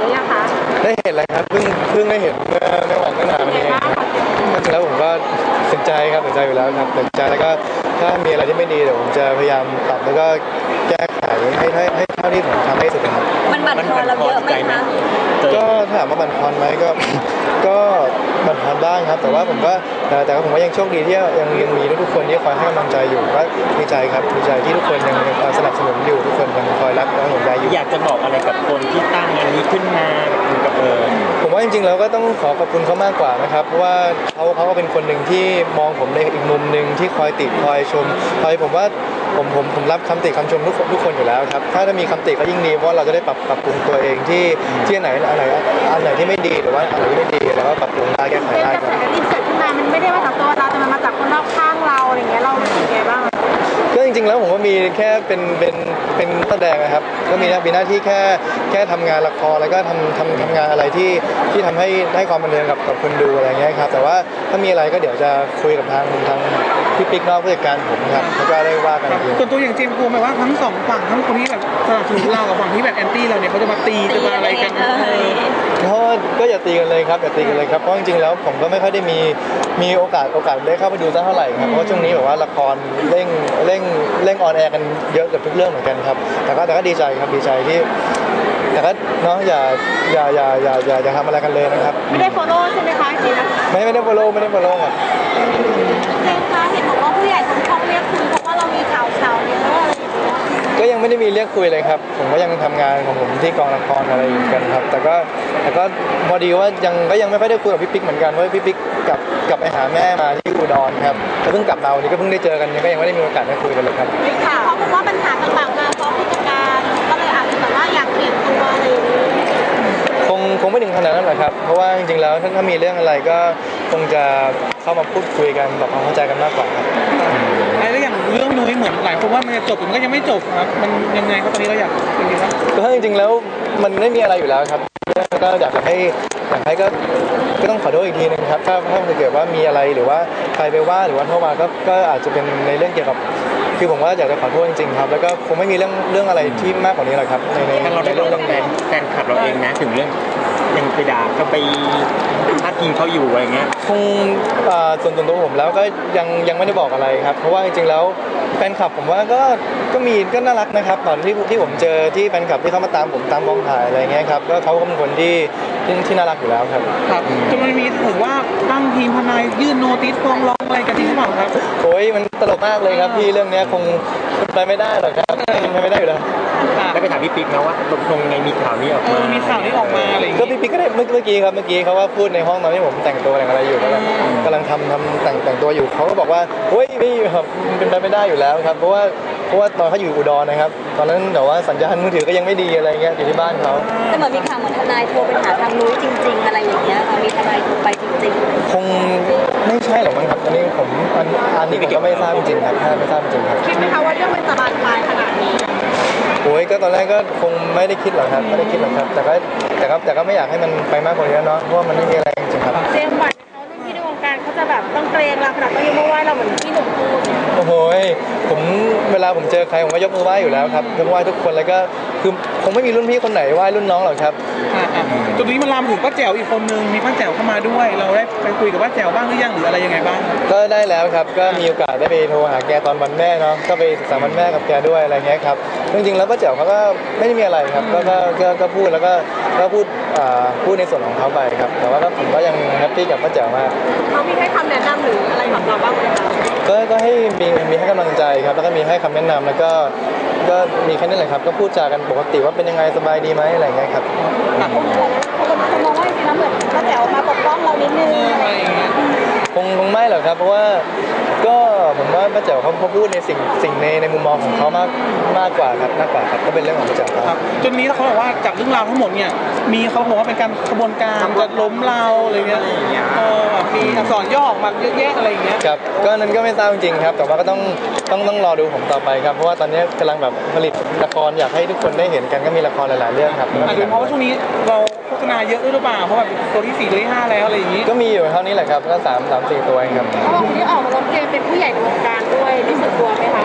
รือยังคะได้เห็นแล้วครับเพิ่งได้เห็นเมื่อไม่หวานก็นานนี้แล้วผมก็สนใจครับสนใจอยู่แล้วครับสนใจแล้วก็ถ้ามีอะไรที่ไม่ดีเดี๋ยวผมจะพยายามปรับแล้วก็แก้ไขให้เท่าที่ผมทำได้สุดครับมันบั่นทอนเราเยอะไหมคะก็ถามว่าบั่นทอนไหมก็บั่นทอนบ้างครับแต่ว่าผมก็ยังโชคดีที่ยังมีทุกคนที่คอยให้กำลังใจอยู่ก็ดีใจครับดีใจที่ทุกคนยังคอยสนับสนุนอยู่ทุกคนยังคอยรักและห่วงใยอยู่อยากจะบอกอะไรกับคนที่ตั้งอันนี้ขึ้นมากับผมว่าจริงๆแล้วก็ต้องขอบคุณเขามากกว่านะครับเพราะว่าเขาก็เป็นคนหนึ่งที่มองผมในอีกมุมหนึ่งที่คอยติคอยชมผมว่าผมรับคำติคำชมทุกคนอยู่แล้วครับถ้ามีคำติก็ยิ่งดีเพราะเราจะได้ปรับปรุงตัวเองที่อันไหนที่ไม่ดีหรือว่าอันไหนที่ไม่ดีแล้วก็ปรับปรุงได้แก้ไขได้ครับที่เกิดขึ้นมามันไม่ได้มาจากตัวเราแต่มันมาจากคนรอบข้างเราอะไรเงี้ยเราเป็นยังไงบ้างก็จริงๆแล้วผมก็มีแค่เป็นแสดงนะครับก็มีหน้าที่แค่ทำงานละครแล้วก็ทำงานอะไรที่ทำให้ความบันเทิงกับคนดูอะไรเงี้ยครับแต่ว่าถ้ามีอะไรก็เดี๋ยวจะคุยกับทางพี่ปิ๊กนอกผู้จัดการผมครับแล้วก็ได้ว่ากันส่วนตัวอย่างเจมส์กลัวไหมว่าทั้งสองฝั่งทั้งคนที่แบบสนับสนุนเรากับฝั่งที่แบบแอนตี้เราเนี่ยเขาจะมาตีจะมาอะไรกันก็อย่าตีกันเลยครับอย่าตีกันเลยครับเพราะจริงๆแล้วผมก็ไม่ค่อยได้มีโอกาสได้เข้าไปดูสักเท่าไหร่ครับเพราะช่วงนี้แบบว่าละครเร่งออนแอร์กันเยอะกับทุกเรื่องเหมือนกันครับแต่ก็ดีใจครับดีใจที่แต่ก็เนาะอย่าทำอะไรกันเลยนะครับไม่ได้ follow ใช่ไหมคะจริงนะไม่ได้ follow ครับเจมส์คะเห็นบอกว่าผู้ใหญ่ทั้งช่องเรียกคุณเพราะว่าเรามีข่าวเนี่ยอะไรอย่างเงี้ยก็ยังไม่ได้มีเรียกคุยเลยครับผมก็ยังทำงานของผมที่กองละครอะไรอยู่กันครับแต่ก็พอดีว่ายังไม่ค่อยได้คุยกับพี่ปิ๊กเหมือนกันเพราะพี่ปิ๊กกลับไปหาแม่มาที่อุดรครับแล้วเพิ่งกลับมาวันนี้ก็เพิ่งได้เจอกันยังไม่ได้มีโอกาสได้คุยกันเลยครับค่ะเพราะว่าปัญหาต่างๆมาเพราะผู้จัดการก็เลยอาจจะแบบว่าอยากเปลี่ยนตัวอะไรอย่างนี้คงไม่ถึงขนาดนั้นหรอกครับเพราะว่าจริงๆแล้วถ้ามีเรื่องอะไรก็คงจะเข้ามาพูดคุยกันปรับความเข้าใจกันมากกว่าครับแล้วอย่างเรื่องนุ้ยเหมือนหลายคนว่ามันจะจบมันก็ยังไม่จบครับมันยังไงครับตอนนี้เราอยากจริงๆแล้วมันไม่มีอะไรอยู่แล้วครับก็อยากให้ก็ต้องขอโทษอีกทีนึงครับถ้าเกิดว่ามีอะไรหรือว่าใครไปว่าหรือว่าโทรมาก็อาจจะเป็นในเรื่องเกี่ยวกับคือผมว่าอยากจะขอโทษจริงๆครับแล้วก็คงไม่มีเรื่องอะไรที่มากกว่านี้หรอกครับในเราได้เรื่องแฟนคลับเราเองนะถึงเรื่องยังไปด่าเขาไปพาดพิงเขาอยู่อะไรเงี้ยคงส่วนตัวผมแล้วก็ยังไม่ได้บอกอะไรครับเพราะว่าจริงๆแล้วแฟนคลับผมว่าก็น่ารักนะครับตอนที่ผมเจอที่แฟนคลับที่เขามาตามผมตามกองถ่ายอะไรเงี้ยครับก็เขาเป็นคนที่น่ารักอยู่แล้วครับจนมันมีถึงว่าตั้งทีมทนายยื่นโนติสฟ้องร้องอะไรกันจริงหรือเปล่าครับโอ้ยมันตลกมากเลยครับพี่เรื่องนี้คงไปไม่ได้หรอกครับไปไม่ได้อยู่แล้วได้ไปถามพี่ปิ๊กนะว่าตกลงไงมีข่าวนี้ออกมามีข่าวนี้ออกมาอะไรก็พี่ปิ๊กก็ได้เมื่อกี้เขาว่าพูดในห้องตอนที่ผมแต่งตัวอะไรอยู่กำลังทำแต่งตัวอยู่เขาก็บอกว่าเฮ้ยไม่ครับเป็นไปไม่ได้อยู่แล้วครับเพราะว่าตอนเขาอยู่อุดรนะครับตอนนั้นแต่ว่าสัญญาณมือถือก็ยังไม่ดีอะไรเงี้ยอยู่ที่บ้านเขาแต่เหมือนมีข่าวเหมือนทนายโทรไปหาทางนุ้ยจริงๆอะไรอย่างเงี้ยค่ะมีทนายโทรไปจริงๆคงไม่ใช่หรอกมั้งครับอันนี้ผมอันนี้ผมก็ไม่ทราบจริงครับไม่ทราบจริงครับคิดไหมคะว่าเรื่องมันจะบานปลายขนาดนี้โอ้ยก็ตอนแรกก็คงไม่ได้คิดหรอกครับแต่ก็ไม่อยากให้มันไปมากกว่านี้เนาะเพราะว่ามันไม่มีอะไรจริงๆครับเจมส์บอลเขารุ่นพี่ในวงการเขาจะแบบต้องเกรงเราขนาดต้องยกมือไหว้เราเหมือนที่หนุ่มพูดโอ้โหเวลาผมเจอใครผมก็ยกมือไหว้อยู่แล้วครับยกมือไหว้ทุกคนแล้วก็คือคงไม่มีรุ่นพี่คนไหนไหว้รุ่นน้องหรอกครับจุดนี้มันลามถึงป้าแจ๋วอีกคนนึงมีป้าแจ๋วเข้ามาด้วยเราได้ไปคุยกับป้าแจ๋วบ้างหรือยังหรืออะไรยังไงบ้างก็ได้แล้วครับก็มีโอกาสได้ไปโทรหาแกตอนวันแม่เนาะก็ไปศึกษาวันแม่กับแกด้วยอะไรเงี้ยครับจริงๆแล้วป้าแจ๋วเขาก็ไม่ได้มีอะไรครับก็พูดแล้วก็พูดในส่วนของเขาไปครับแต่ว่าผมก็ยังแฮปปี้กับป้าแจ๋วมากเขามีให้คำแนะนำหรืออะไรกับเราบ้างไหมคะก็ให้มีให้กำลังใจครับแล้วก็มีให้คำแนะนำแล้วก็มีแค่นั้นแหละครับก็พูดจากันปกติว่าเป็นยังไงสบายดีไหมอะไรเงี้ยครับคนมองว่าจริงๆแล้วเหมือนป้าแจ๋วมาปกป้องเรานิดนึงคงไม่หรอกครับเพราะว่าก็ผมว่าป้าแจ๋วเขาพูดในสิ่งในมุมมองของเขามากกว่าครับก็เป็นเรื่องของป้าแจ๋วครับจนนี้เขาบอกว่าจากเรื่องราวทั้งหมดเนี่ยมีเขาบอกว่าเป็นการกระบวนการจะล้มเราอะไรเงี้ยมีอักษรย่อออกมาเยอะแยะอะไรอย่างเงี้ยครับก็นั้นก็ไม่ทราบจริงๆครับแต่ว่าก็ต้องรอดูผมต่อไปครับเพราะว่าตอนนี้กำลังแบบผลิตละครอยากให้ทุกคนได้เห็นกันก็มีละครหลายๆเรื่องครับอาจจะเพราะว่าช่วงนี้เราโฆษณาเยอะหรือเปล่าเพราะแบบตัวที่4ตัวที่5แล้วอะไรอย่างงี้ก็มีอยู่เท่านี้แหละครับก็3-4ตัวเองครับเขาบอกที่ออกมาร้องเพลงเป็นผู้ใหญ่ในวงการด้วยรู้สึกกลัวไหมคะ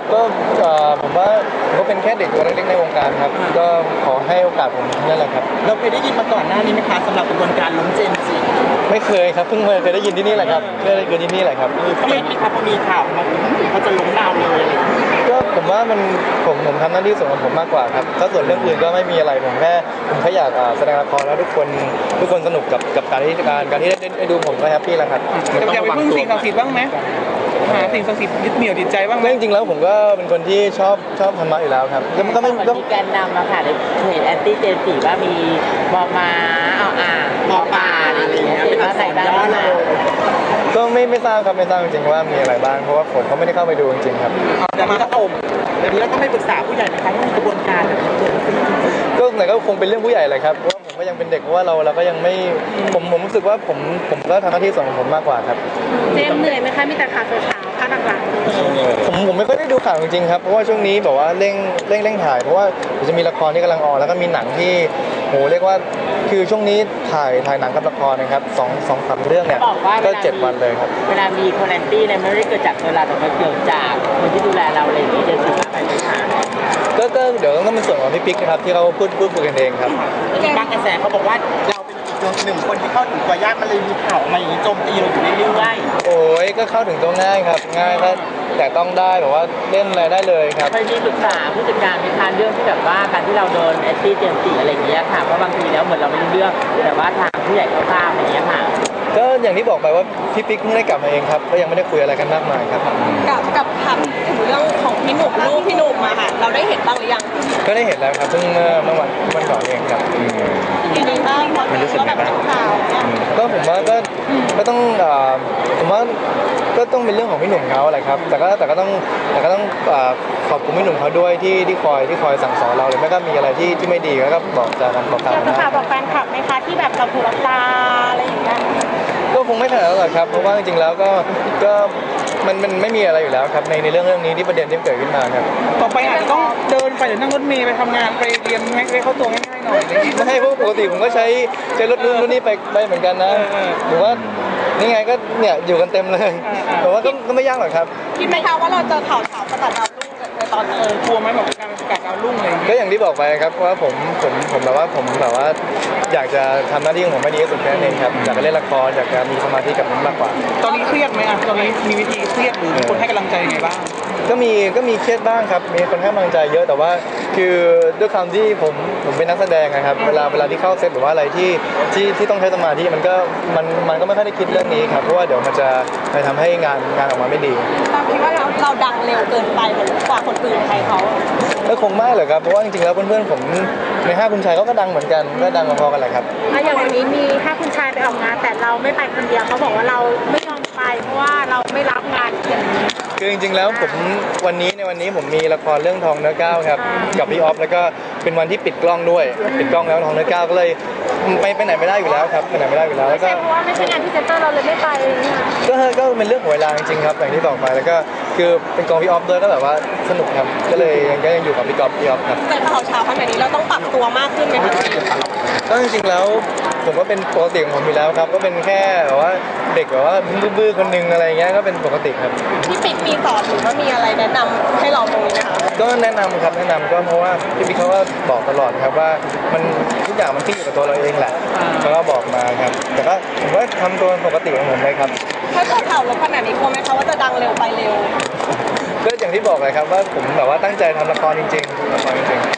ก็ผมว่าผมก็เป็นแค่เด็กตัวเล็กๆในวงการครับก็ขอให้โอกาสผมนั่นแหละครับเราเคยได้ยินมาก่อนหน้านี้ไหมคะสำหรับกระบวนการล้มเจมส์จิไม่เคยครับเพิ่งเคยได้ยินที่นี่แหละครับเคยได้ยินที่นี่แหละครับทำไมมีครับพอมีข่าวมาเขาจะล้มดาวเลยอะไรอย่างเงี้ยก็ผมว่ามันผมทำหน้าที่ส่วนของผมมากกว่าครับถ้าส่วนเรื่องอื่นก็ไม่มีอะไรผมแค่อยากแสดงละครแล้วทุกคนสนุกกับการที่ได้ดูผมก็แฮปปี้แล้วครับอยากไปพึ่งสิ่งศักดิ์สิทธิ์บ้างไหมหาสิ่งศักดิ์สิทธิ์ยึดเหนี่ยวจิตใจบ้างไหมไม่จริงๆแล้วผมก็เป็นคนที่ชอบธรรมะอยู่แล้วครับก็ไม่ก็มีแกนนำมาค่ะในเพจแอนตี้เจนสีว่ามีมอมาเอามอปลาอะไรอย่างเงี้ยเป็นอะไรบ้างนะก็ไม่ทราบครับไม่ทราบจริงๆว่ามีอะไรบ้างเพราะว่าผมก็ไม่ได้เข้าไปดูจริงๆครับเดี๋ยวนี้เราต้องไม่ปรึกษาผู้ใหญ่ไหมคะว่ามีกระบวนการแบบนี้เกิดขึ้นก็ไหนก็คงเป็นเรื่องผู้ใหญ่แหละครับเพราะว่าผมก็ยังเป็นเด็กเพราะว่าเราก็ยังไม่ผมรู้สึกว่าผมก็ทำหน้าที่ส่วนของผมมากกว่าครับเจมส์เหนื่อยไหมคะมีแต่ข่าวเช้าๆข่าวหลักผมไม่ค่อยได้ดูข่าวจริงๆครับเพราะว่าช่วงนี้แบบว่าเร่งถ่ายเพราะว่าเดี๋ยวจะมีละครที่กำลังออนแล้วก็มีหนังที่โหเรียกว่าคือช่วงนี้ถ่ายหนังกับละครนะครับ2-3 เรื่องเนี่ยก็7 วันเลยครับเวลามีคอนแอนตี้เนี่ยไม่ได้เกิดจากตัวเราแต่มันเกิดจากคนที่ดูแลเราอะไรอย่างนี้เจนสีมาไปไม่ผ่านก็เดี๋ยวต้องเป็นส่วนของพี่ปิ๊กนะครับที่เขาพูดคุยกันเองครับมีบางกระแสเขาบอกว่าเราเป็นอีกหนึ่งคนที่เข้าถึงตัวยากมันเลยมีข่าวออกมาอย่างนี้โจมตีเราอยู่เรื่อยโอ้ยก็เข้าถึงตัวง่ายครับง่ายก็แต่ต้องได้แบบว่าเล่นอะไรได้เลยครับเคยมีปรึกษาผู้จัดการในการเรื่องที่แบบว่าการที่เราโดนแอนตี้เจนสีอะไรอย่างเงี้ยค่ะเพราะบางทีแล้วเหมือนเราไม่รู้เรื่องแต่ว่าทางผู้ใหญ่เขาทราบอย่างเงี้ยค่ะก็อย่างที่บอกไปว่าพี่ปิ๊กเพิ่งได้กลับมาเองครับก็ยังไม่ได้คุยอะไรกันมากมายครับกับถามถึงเรื่องของพี่หนุ่มลูกพี่หนุ่มมาค่ะเราได้เห็นบ้างหรือยังก็ได้เห็นแล้วครับเพิ่งเมื่อวันก่อนเองครับยังไงบ้างพอเห็นว่าแบบเป็นข่าวเนี่ยก็ผมว่าก็ต้องผมว่าก็ต้องเป็นเรื่องของพี่หนุ่มเขาแหละครับแต่ก็ต้องขอบคุณพี่หนุ่มเขาด้วยที่คอยสั่งสอนเราหรือไม่ก็มีอะไรที่ไม่ดีก็บอกกล่าวอยากจะนะฝากบอกแฟนคลับไหมคะที่แบบเราถูกรับตาอะไรอย่างเงี้ยก็คงไม่ขนาดนั้นหรอกครับเพราะว่าจริงๆแล้วก็มันไม่มีอะไรอยู่แล้วครับในเรื่องนี้ที่ประเด็นที่เกิดขึ้นมาครับต่อไปอาจจะต้องเดินไปหรือนั่งรถเมล์ไปทำงานไปเรียนให้เข้าตัวง่ายๆหน่อยอะไรอย่างงี้ไม่ให้เพราะปกติผมก็ใช้รถนู้นรถนี้ไปเหมือนกันนะหรือว่านี่ไงก็เนี่ยอยู่กันเต็มเลยแต่ว่าก็ไม่ยากหรอกครับคิดไหมคะว่าเราเจอข่าวเช้าประกาศดาวรุ่งในตอนนี้กลัวไหมแบบการประกาศดาวรุ่งอะไรอย่างเงี้ยก็อย่างที่บอกไปครับว่าผมแบบว่าอยากจะทำหน้าที่ของผมให้ดีที่สุดแค่นั้นเองครับอยากจะเล่นละครอยากจะมีสมาธิกับมันมากกว่าตอนนี้เครียดไหมอ่ะตอนนี้มีวิธีเครียดหรือมีคนให้กำลังใจยังไงบ้างก็มีเครียดบ้างครับมีคนให้กำลังใจเยอะแต่ว่าคือด้วยความที่ผมเป็นนักแสดงนะครับเวลาที่เข้าเซตหรือว่าอะไรที่ต้องใช้สมาธิมันก็ไม่ค่อยได้คิดเรื่องนี้ครับเพราะว่าเดี๋ยวมันจะไปทำให้งานออกมาไม่ดีเราคิดว่าเราดังเร็วเกินไปเหมือนกว่าคนอื่นใครเขาก็คงไม่หรอกครับเพราะว่าจริงๆแล้วเพื่อนๆผมใน5คุณชายเขาก็ดังเหมือนกันก็ดังพอๆกันแหละครับอย่างวันนี้มีถ้าคุณชายไปออกงานแต่เราไม่ไปคนเดียวเขาบอกว่าเราไม่ยอมไปเพราะว่าเราไม่รับงานอย่างนี้คือจริงๆแล้วในวันนี้ผมมีละครเรื่องทองเนื้อก้าวครับกับพี่ออฟแล้วก็เป็นวันที่ปิดกล้องด้วยปิดกล้องแล้วทองเนื้อก้าวก็เลยไปไหนไม่ได้อยู่แล้วครับไปไหนไม่ได้อยู่แล้วแล้วก็ใช่เพราะว่าไม่ใช่งานพรีเซนเตอร์เราเลยไม่ไปก็เป็นเรื่องของเวลาจริงๆครับอย่างที่บอกไปแล้วก็คือเป็นกองพี่ออฟด้วยก็แบบว่าสนุกครับก็เลยยังอยู่กับพี่ออฟครับแต่ข่าวเช้าขนาดนี้เราต้องปรับตัวมากขึ้นไหมคะก็จริงๆแล้วผมก็เป็นปกติของผมอยู่แล้วครับก็เป็นแค่แบบว่าเด็กแบบว่าบื้อๆคนนึงอะไรเงี้ยก็เป็นปกติครับพี่ปิ๊กมีสอนหรือว่ามีอะไรแนะนำให้เราตรงนี้ไหมคะก็แนะนำครับแนะนำก็เพราะว่าพี่บิ๊กเขาก็บอกตลอดครับว่ามันทุกอย่างมันขึ้นอยู่กับตัวเราเองแหละเขาก็บอกมาครับแต่ก็ผมก็ทำตัวปกติของผมเลยครับถ้าเกิดข่าวลบขนาดนี้กลัวไหมคะว่าจะดังเร็วไปเร็วก็อย่างที่บอกเลยครับว่าผมแบบว่าตั้งใจทำละครจริงๆละครจริงๆ